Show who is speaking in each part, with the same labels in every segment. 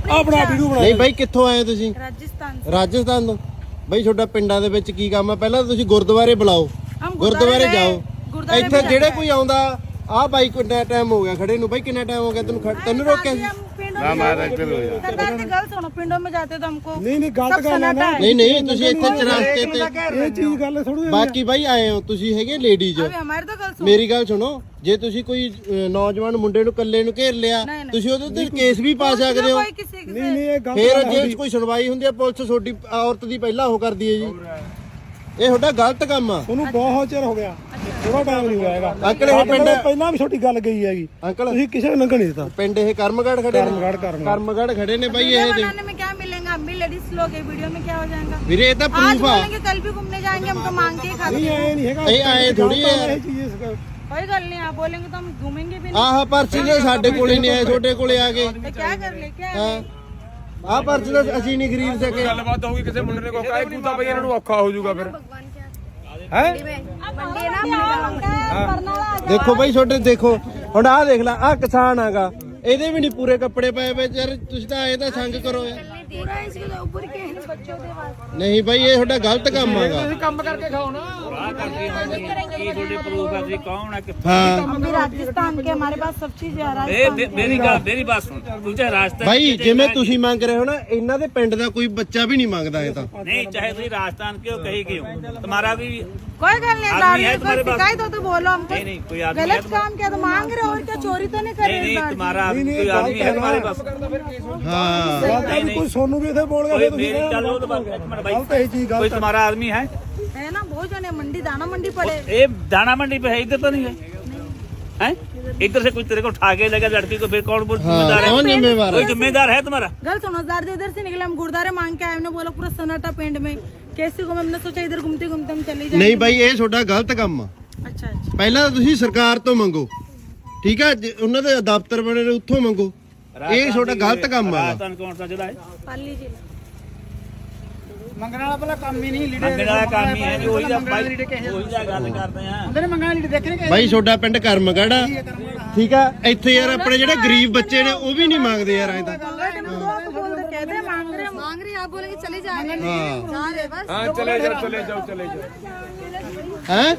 Speaker 1: ਆਪਣਾ ਵੀਡੀਓ ਬਣਾ।
Speaker 2: ਨਹੀਂ ਬਾਈ ਕਿੱਥੋਂ ਆਏ ਤੁਸੀਂ?
Speaker 3: राजस्थान
Speaker 2: ਤੋਂ ਬਾਈ ਤੁਹਾਡਾ ਪਿੰਡਾਂ ਦੇ ਵਿੱਚ ਕੀ ਕੰਮ ਆ? ਪਹਿਲਾਂ ਤੁਸੀਂ ਗੁਰਦੁਆਰੇ ਬੁਲਾਓ, ਗੁਰਦੁਆਰੇ ਜਾਓ। ਇੱਥੇ ਜਿਹੜੇ ਕੋਈ ਆਉਂਦਾ ਆ ਬਾਈ ਕਿੰਨਾ ਟਾਈਮ ਹੋ ਗਿਆ ਖੜੇ ਨੂੰ? ਬਾਈ ਕਿੰਨਾ ਟਾਈਮ ਹੋ ਗਿਆ ਤੈਨੂੰ ਰੋਕਿਆ ਸੀ?
Speaker 3: ना मारा सरदार की गल सुनो, पिंडों में जाते तो हमको
Speaker 1: नहीं गलत गल है ना।
Speaker 2: नहीं ਤੁਸੀਂ ਇੱਥੇ ਚਰਾਸਤੇ ਤੇ
Speaker 1: ਇਹ ਚੀਜ਼ ਗੱਲ ਥੋੜੀ।
Speaker 2: ਬਾਕੀ ਬਾਈ ਆਏ ਹੋ ਤੁਸੀਂ ਹੈਗੇ ਲੇਡੀਜ਼।
Speaker 3: हमारी तो गल सुनो,
Speaker 2: ਮੇਰੀ ਗੱਲ ਸੁਣੋ, ਜੇ ਤੁਸੀਂ ਕੋਈ ਨੌਜਵਾਨ ਮੁੰਡੇ ਨੂੰ ਇਕੱਲੇ ਨੂੰ ਘੇਰ ਲਿਆ ਤੁਸੀਂ ਉਹਦੇ ਤੇ ਕੇਸ ਵੀ ਪਾ ਸਕਦੇ ਹੋ।
Speaker 1: ਨਹੀਂ ਇਹ ਗੱਲ
Speaker 2: ਫਿਰ ਜੇ ਕੋਈ ਸੁਣਵਾਈ ਹੁੰਦੀ ਹੈ ਪੁਲਿਸ ਤੁਹਾਡੀ ਔਰਤ ਦੀ ਪਹਿਲਾਂ ਉਹ ਕਰਦੀ ਹੈ ਜੀ। ਇਹ ਤੁਹਾਡਾ ਗਲਤ ਕੰਮ ਆ।
Speaker 1: ਉਹਨੂੰ ਬਹੁਤ ਚਿਰ ਹੋ ਗਿਆ, ਥੋੜਾ ਟਾਈਮ ਨਹੀਂ ਹੋਇਆ ਹੈਗਾ।
Speaker 2: ਅੰਕਲ ਇਹ ਪਿੰਡ
Speaker 1: ਪਹਿਲਾਂ ਵੀ ਛੋਟੀ ਗੱਲ ਗਈ ਹੈਗੀ
Speaker 2: ਅੰਕਲ,
Speaker 1: ਤੁਸੀਂ ਕਿਸੇ ਨੂੰ ਲੰਘਣ ਨਹੀਂ ਦਿੱਤਾ।
Speaker 2: ਪਿੰਡ ਇਹ ਕਰਮਗੜ ਖੜੇ ਨੇ, ਕਰਮਗੜ ਖੜੇ ਨੇ ਬਾਈ। ਇਹ
Speaker 3: बनाने में क्या मिलेगा? हम भी लेडीज लोग है, वीडियो में क्या हो जाएगा?
Speaker 2: ਵੀਰੇ ਇਹ ਤਾਂ
Speaker 3: आज
Speaker 2: ਪ੍ਰੂਫ ਆ।
Speaker 3: बोलेंगे कल भी घूमने जाएंगे, हम तो मांग के खाते
Speaker 1: ਨਹੀਂ
Speaker 3: हैं।
Speaker 1: ਆਏ ਨਹੀਂ ਹੈਗਾ।
Speaker 2: ਇਹ ਆਏ ਥੋੜੀ ਹੈ।
Speaker 1: ਇਹ ਚੀਜ਼
Speaker 3: कोई गल नहीं, आप बोलेंगे तो हम घूमेंगे भी नहीं।
Speaker 2: ਆਹ ਪਰਚੀ ਨੇ ਸਾਡੇ ਕੋਲੇ ਨਹੀਂ ਆਏ, ਤੁਹਾਡੇ ਕੋਲੇ ਆ ਗਏ।
Speaker 3: तो क्या कर ले, क्या
Speaker 2: ਹਾਂ ਆਹ ਪਰਚੀ ਤਾਂ ਅਸੀਂ ਨਹੀਂ ਖਰੀਦ ਸਕੇ।
Speaker 4: ਗੱਲਬਾਤ ਹੋਊਗੀ ਕਿਸੇ ਮੁੰਡੇ ਨੇ ਕੋਈ ਕਾਇ ਕੂਤਾ ਬਈ ਇਹਨਾਂ ਨੂੰ ਔਖਾ ਹੋ ਜਾਊਗਾ ਫਿਰ
Speaker 1: ਹੈ।
Speaker 2: ਦੇਖੋ ਬਾਈ ਤੁਹਾਡੇ ਦੇਖੋ ਹੁਣ ਆਹ ਦੇਖ ਲੈ, ਆਹ ਕਿਸਾਨ ਆਗਾ, ਇਹਦੇ ਵੀ ਨਹੀਂ ਪੂਰੇ ਕੱਪੜੇ ਪਾਏ ਵੇ ਯਾਰ। ਤੁਸੀਂ ਤਾਂ ਆਏ ਤਾਂ ਸੰਗ ਕਰੋ ਯਾਰ। ਨਹੀਂ ਬਾਈ ਇਹ ਤੁਹਾਡਾ ਗਲਤ ਕੰਮ ਆਗਾ।
Speaker 4: ਕੰਮ ਕਰਕੇ ਖਾਓ ਨਾ।
Speaker 2: ਹਾਂ
Speaker 3: हम भी राजस्थान के, हमारे पास सब चीज है राजस्थान।
Speaker 5: मेरी बात सुन, तुझे राजस्थान
Speaker 2: ਬਾਈ ਜਿਵੇਂ ਤੁਸੀਂ ਮੰਗ ਰਹੇ ਹੋ ਨਾ, ਇਹਨਾਂ ਦੇ ਪਿੰਡ ਦਾ ਕੋਈ ਬੱਚਾ ਵੀ ਨਹੀਂ ਮੰਗਦਾ ਇਹ ਤਾਂ।
Speaker 5: नहीं चाहे तुम राजस्थान के हो कहीं के हो, तुम्हारा भी
Speaker 3: कोई गल नहीं,
Speaker 5: आदमी है
Speaker 3: कोई
Speaker 5: तुम्हारे पास?
Speaker 3: शिकायत हो तो बोलो हमको।
Speaker 5: नहीं कोई आदमी है
Speaker 3: गलत काम किया तो मांग रहे हो, और क्या चोरी तो नहीं कर
Speaker 5: नहीं
Speaker 3: रहे?
Speaker 5: नहीं तुम्हारा कोई आदमी है तुम्हारे पास?
Speaker 2: ਹਾਂ
Speaker 1: ਬਾਤਾਂ ਵੀ ਕੋਈ ਸੋਨੂੰ ਵੀ ਇੱਥੇ ਬੋਲ ਗਿਆ
Speaker 5: कोई
Speaker 1: ਫਿਰ ਤੁਸੀਂ।
Speaker 5: मेरी चलो तो बात एक मिनट भाई,
Speaker 1: ਗਲਤ ਇਹ ਚੀਜ਼
Speaker 5: कोई
Speaker 1: ਗਲਤ।
Speaker 5: तुम्हारा आदमी है?
Speaker 3: है ना, बहुत जने मंडी, दाना मंडी पड़े।
Speaker 5: ये दाना मंडी पे है, इधर तो नहीं है हैं? इधर से कुछ तेरे को उठा के लगा लड़की को, फिर कौन जिम्मेदार है?
Speaker 2: कौन जिम्मेदार
Speaker 5: कोई
Speaker 2: है?
Speaker 5: जिम्मेदार है तुम्हारा?
Speaker 3: गल सुनो, इधर से निकले, हम गुरुद्वारे मांग के आए, हमने बोला पूरा सन्नाटा पिंड में कैसे घूमे, हमने सोचा इधर घूमते घूमते हम चले जाए।
Speaker 2: ਨਹੀਂ ਬਾਈ ਇਹ ਤੁਹਾਡਾ ਗਲਤ ਕੰਮ ਆ।
Speaker 3: अच्छा अच्छा,
Speaker 2: ਪਹਿਲਾਂ ਤਾਂ ਤੁਸੀਂ ਸਰਕਾਰ ਤੋਂ ਮੰਗੋ, ਠੀਕ ਆ? ਉਹਨਾਂ ਦੇ ਦਫ਼ਤਰ ਬਣੇ ਨੇ ਉੱਥੋਂ ਮੰਗੋ। ਇਹ ਤੁਹਾਡਾ ਗਲਤ ਕੰਮ ਆ।
Speaker 5: राजस्थान कौन सा जिला है?
Speaker 3: पाली जिला।
Speaker 1: ਮੰਗਣ ਵਾਲਾ ਪਹਿਲਾਂ ਕੰਮ ਹੀ ਨਹੀਂ ਲੀੜੇ
Speaker 5: मंगने वाला काम ही है जो वही जा गल करते हैं।
Speaker 1: ਹੁੰਦੇ ਨੇ ਮੰਗਣ ਲੀੜੇ ਦੇਖਣੇ
Speaker 2: ਬਾਈ ਤੁਹਾਡਾ ਪਿੰਡ ਕਰਮਗੜ ਆ, ਠੀਕ ਆ? ਇੱਥੇ ਯਾਰ ਆਪਣੇ ਜਿਹੜੇ ਗਰੀਬ ਬੱਚੇ ਨੇ ਉਹ ਵੀ ਨਹੀਂ ਮੰਗਦੇ ਯਾਰ ਐਂ ਤਾਂ।
Speaker 3: कहते हैं मांग रहे, आप बोलेंगे चले जाएंगे। जा रहे बस।
Speaker 4: ਹਾਂ ਚਲੇ ਜਾਓ
Speaker 2: ਹੈ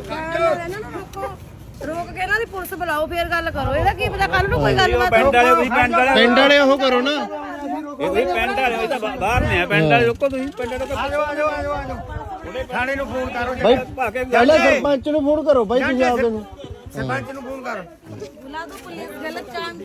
Speaker 3: रोक के ना दी पुलिस बुलाओ, फिर गल करो। ਇਹਦਾ ਕੀ ਪਤਾ ਕੱਲ ਨੂੰ ਕੋਈ ਗੱਲ ਬਾਤ
Speaker 5: ਪਿੰਡ ਵਾਲੇ ਤੁਸੀਂ
Speaker 2: ਪਿੰਡ ਵਾਲੇ ਉਹ ਕਰੋ ਨਾ।
Speaker 5: ਇਹ ਤੁਸੀਂ ਪਿੰਡ ਵਾਲੇ ਹੋਏ ਤਾਂ ਬਾਹਰ ਨੇ ਆ, ਪਿੰਡ ਵਾਲੇ ਰੁਕੋ ਤੁਸੀਂ, ਪਿੰਡ ਵਾਲੇ
Speaker 1: ਆਜੋ ਥਾਣੇ ਨੂੰ ਫੋਨ ਕਰੋ।
Speaker 2: ਬਾਈ ਪਹਿਲਾਂ ਸਰਪੰਚ ਨੂੰ ਫੋਨ ਕਰੋ ਬਾਈ ਤੁਸੀਂ ਆਪਦੇ ਨੂੰ।
Speaker 1: ਸਰਪੰਚ ਨੂੰ ਫੋਨ ਕਰ।
Speaker 3: बुला दो पुलिस, गलत काम